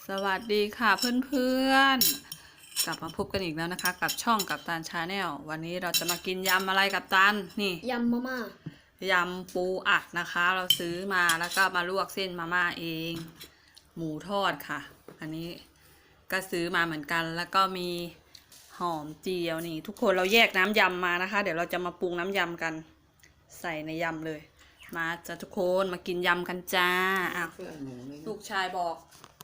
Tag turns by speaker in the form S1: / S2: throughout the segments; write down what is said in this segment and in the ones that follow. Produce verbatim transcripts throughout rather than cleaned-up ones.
S1: สวัสดีค่ะเพื่อนๆกลับมาพบกันอีกแล้วนะคะกับช่องกัปตันชาแนลวันนี้เราจะมากินยำอะไรกัปตันนี่
S2: ยำมาม่าย
S1: ำปูอัดนะคะเราซื้อมาแล้วก็มาลวกเส้นมาม่าเองหมูทอดค่ะอันนี้ก็ซื้อมาเหมือนกันแล้วก็มีหอมเจียวนี่ทุกคนเราแยกน้ำยำมานะคะเดี๋ยวเราจะมาปรุงน้ำยำกันใส่ในยำเลยมาจ้ะทุกคนมากินยำกันจ้าอ้าวลูกชายบอก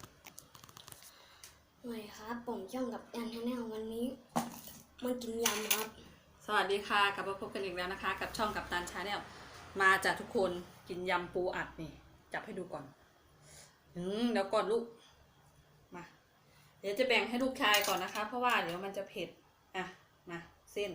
S2: สวัสดีครับผมช่องกับยันชาแนลวันนี้มากินยำครับ
S1: สวัสดีค่ะกลับมาพบกันอีกแล้วนะคะ กับช่องกับตันชาแนลมาจากทุกคนกินยำปูอัดนี่จับให้ดูก่อนอืมเดี๋ยวก่อนลูกมาเดี๋ยวจะแบ่งให้ลูกชายก่อนนะคะ เพราะว่าเดี๋ยวมันจะเผ็ดอ่ะมาเส้น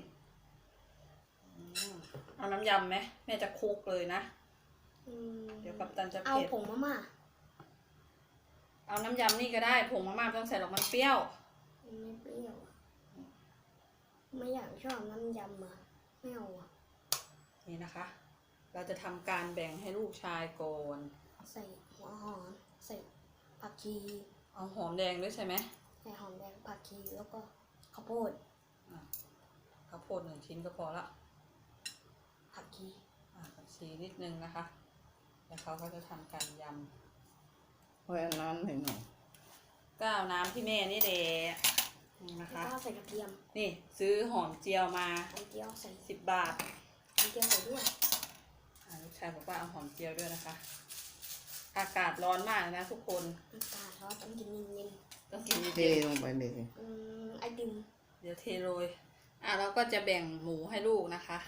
S1: เอาน้ำยำไหมแม่จะคลุกเลยนะเดี๋ยวกับตันจะเผ็ด
S2: เอาผงมาม่า
S1: เอาน้ำยำนี่ก็ได้ผงมาม่าไม่ต้องใส่หรอกมันเปรี้ยว
S2: ไม่เปรี้ยวไม่อยากชอบน้ำยำอ่ะไม่เอาอ่ะ
S1: นี่นะคะ เราจะทำการแบ่งให้ลูกชายก่อน
S2: ใส่หัวหอมใส่ผักชี
S1: เอาหอมแดงด้วยใช่ไหม
S2: ใส่หอมแดงผักชีแล้วก็ข้าวโพด
S1: ข้าวโพดหนึ่งชิ้นก็พอละ
S2: ผักชี
S1: ผักชีนิดนึงนะคะแล้วเขาก็จะทำการยำ
S3: ไว้น้ำให้หน่อย
S1: ก็เอาน้ำที่แม่นี่แหละนี่นะคะ
S2: แล้วก็ใส่กระเทียม
S1: นี่ซื้อหอมเจียวมา
S2: หอมเจียวใส่
S1: สิบบาท
S2: หอมเจียวใส่ด้วย
S1: ลูกชายบอกว่าเอาหอมเจียวด้วยนะคะอากาศร้อนมากนะทุกคน
S2: อากาศร้อนต้องกินเย็น
S1: ๆต้องกิน
S3: เทลงไปเลย
S2: อืมไอติม
S1: เดี๋ยวเทโรยอ่ะเราก็จะแบ่งหมูให้ลูกนะคะ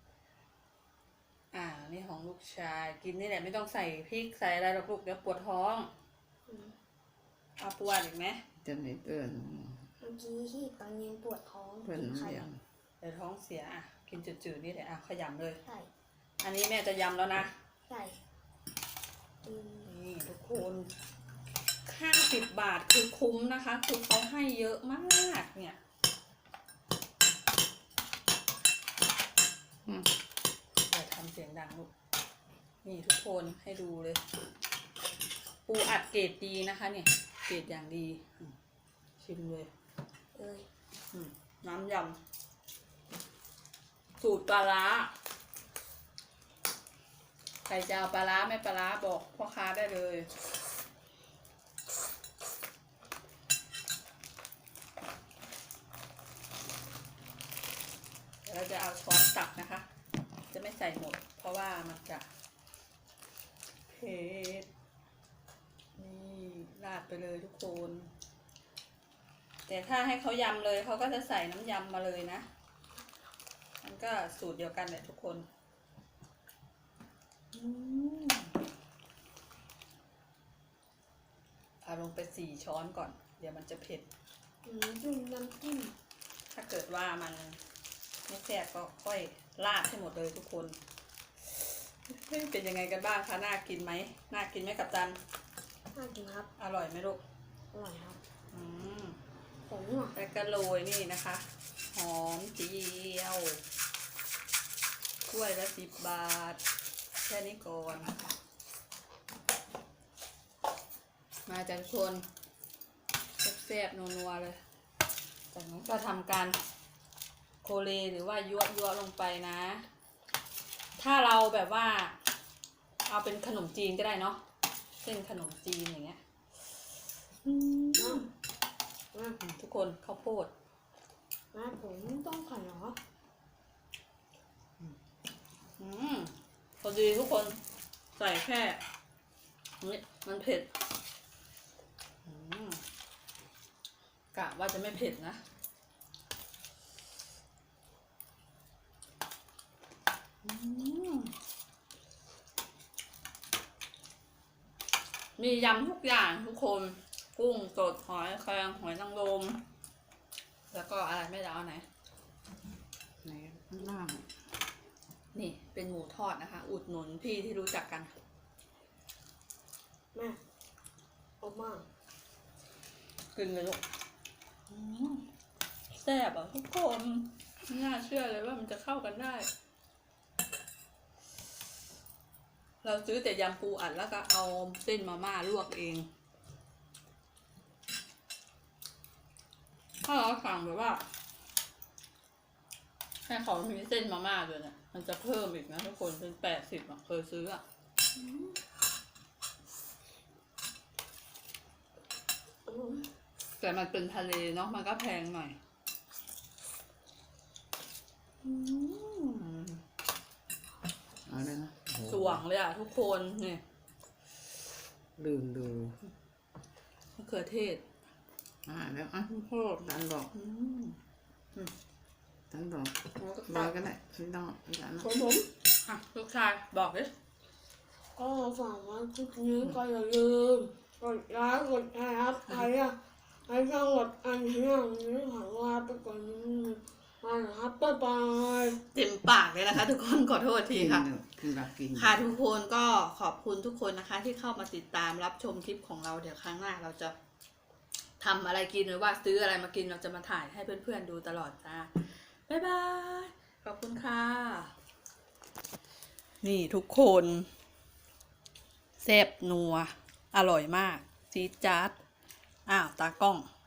S1: อ่านี่ของลูกชายกินนี่แหละไม่ต้องใส่พริกใส่อะไรหรอกลูกเดี๋ยวปวดท้องเอาปวดอีกไหม
S3: จะไม่เปื่อน
S2: เมื่อกี้ที่ตอนนี้ปวดท้อง
S3: เปื่อนเสียง
S1: เดี๋ยวท้องเสียอ่ะกินจืดๆนี่แหละอ่ะขยำเลย
S2: ใช่
S1: อันนี้แม่จะยำแล้วนะ
S2: ใช่
S1: นี่ทุกคนห้าสิบบาทคือคุ้มนะคะคือเขาให้เยอะมากเนี่ยอย่าทำเสียงดังลูกนี่ทุกคนให้ดูเลยปูอัดเกรดดีนะคะเนี่ยเกรดอย่างดีชิมเลย
S2: เอ้ย
S1: น้ำยำสูตรปลาร้าใครจะเอาปลาร้าไม่ปลาร้าบอกพ่อค้าได้เลยเราจะเอาช้อนตักนะคะจะไม่ใส่หมดเพราะว่ามันจะเผ็ดนี่ราดไปเลยทุกคนแต่ถ้าให้เขายำเลยเขาก็จะใส่น้ำยำมาเลยนะมันก็สูตรเดียวกันแหละทุกคนเอาลงไปสี่ช้อนก่อนเดี๋ยวมันจะเผ็ด
S2: จุ่มน้ำจิ้ม
S1: ถ้าเกิดว่ามันไม่แซ่บก็ค่อยราดให้หมดเลยทุกคนเป็นยังไงกันบ้างคะน่ากินไหมน่ากินไหมกัปตัน
S2: น่ากินครับ
S1: อร่อยไหมลูก
S2: อร่อยครับ
S1: อืม
S2: ผม
S1: แล้วก็โรยนี่นะคะหอมเจียวถ้วยละสิบบาทแค่นี้ก่อนมาจากคนแซ่บๆนัวๆเลยจากนั้นก็ทำการโคเลหรือว่ายั่วยั่วลงไปนะถ้าเราแบบว่าเอาเป็นขนมจีนก็ได้เนาะเส้นขนมจีนอย่างเงี้ยทุกคนข้าวโพด
S2: นะผมต้องขันเหรอ
S1: อืมพอดีทุกคนใส่แค่นี้มันเผ็ดกะว่าจะไม่เผ็ดนะมียำทุกอย่างทุกคนกุ้งสดหอยแครงหอยนางรมแล้วก็อะไรไม่ได้เอาไหน
S3: ไหนข้างล่าง
S1: นี่เป็นหมูทอดนะคะอุดหนุนพี่ที่รู้จักกัน
S2: แม่เอามา
S1: กินเลยลูกแซ่บอ่ะทุกคนไม่น่าเชื่อเลยว่ามันจะเข้ากันได้เราซื้อแต่ยำปูอัดแล้วก็เอาเส้นมาม่าลวกเองถ้าเราสั่งแบบว่าให้เขามีเส้นมาม่าด้วยเนี่ยมันจะเพิ่มอีกนะทุกคนเป็นแปดสิบอ่ะเคยซื้ออ่ะ
S2: อืม
S1: แต่มันเป็นทะเลเนาะมันก็แพงหน่อยอืม
S3: เอาเลยนะโอ้โห
S1: สว่างเลยอ่ะทุกคนนี่
S3: ลืมดู
S1: มะเขือเทศ
S3: อ่าแล้วอ่ะ
S1: โคตร
S3: ตันบอก
S1: อืม
S3: ตันบอก
S1: แล้วก็
S3: รอยก็ได้ไม่ต้องไม่ต้องนะ
S1: ผมผมอ่ะลูกชายบอกดิ
S2: ก็ฝากว่าคลิปนี้ก็อย่าลืมกดไลค์กดแชร์ครับใครอะใครชอบกดอันนี้อย่างนี้ขอลาไปก่อนนี้มาครับบ๊ายบาย
S1: เต็มปากเลยนะคะ ทุกคนขอโทษทีค่ะ
S3: กินแบบกิน
S1: ค่ะทุกคนก็ขอบคุณทุกคนนะคะ ที่เข้ามาติดตามรับชมคลิปของเราเดี๋ยวครั้งหน้าเราจะทำอะไรกินหรือว่าซื้ออะไรมากินเราจะมาถ่ายให้เพื่อนๆดูตลอดจ้าบ๊ายบายขอบคุณค่ะ นี่ทุกคนแซ่บนัวอร่อยมากจี๊ดจ๊าดอ้าวตากล้อง